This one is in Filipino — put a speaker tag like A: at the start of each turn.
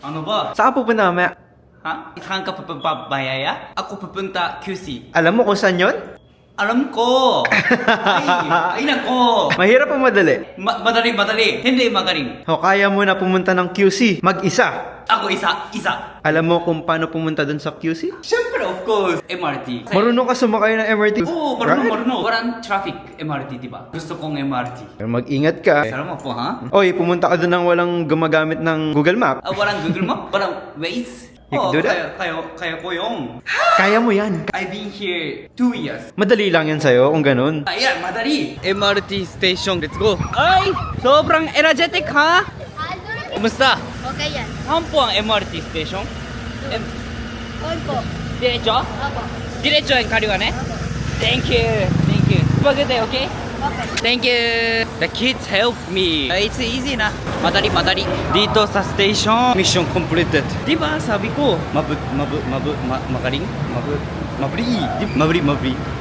A: Ano ba?
B: Saan ka pupunta mamaya?
A: Ha? Saan ka pupunta, Bayaya? Ako pupunta QC.
B: Alam mo kung saan yun?
A: Alam ko! Ay nako!
B: Mahirap o madali?
A: Madali. Hindi magaling.
B: O kaya mo na pumunta ng QC, mag-isa.
A: Ako isa.
B: Alam mo kung paano pumunta dun sa QC?
A: Siyempre, of course, MRT.
B: Marunong ka sumakay ng MRT?
A: Oo, marunong. Walang traffic MRT, di ba? Gusto kong MRT.
B: Pero mag-ingat ka.
A: Salamat po, ha?
B: Oy, pumunta ka dun ng walang gumagamit ng Google Map.
A: Walang Google Map? Walang Waze?
B: You can do that?
A: Kaya ko yung.
B: Kaya mo yan.
A: I've been here 2 years.
B: Madali lang yan sa'yo kung ganun.
A: Ayan, madali. MRT station, let's go. Ay, sobrang energetic, ha? Kumusta?
C: Okay yan.
A: Saan po ang MRT station?
C: On po.
A: Diretso?
C: Opo.
A: Diretso yung kaliwa, ne? Thank you. Spaghetti, okay?
C: Okay.
A: Thank you. The kids help me. It's easy na. Madali. Dito sa station, mission completed. Di ba sabi ko, magaling? Mabri.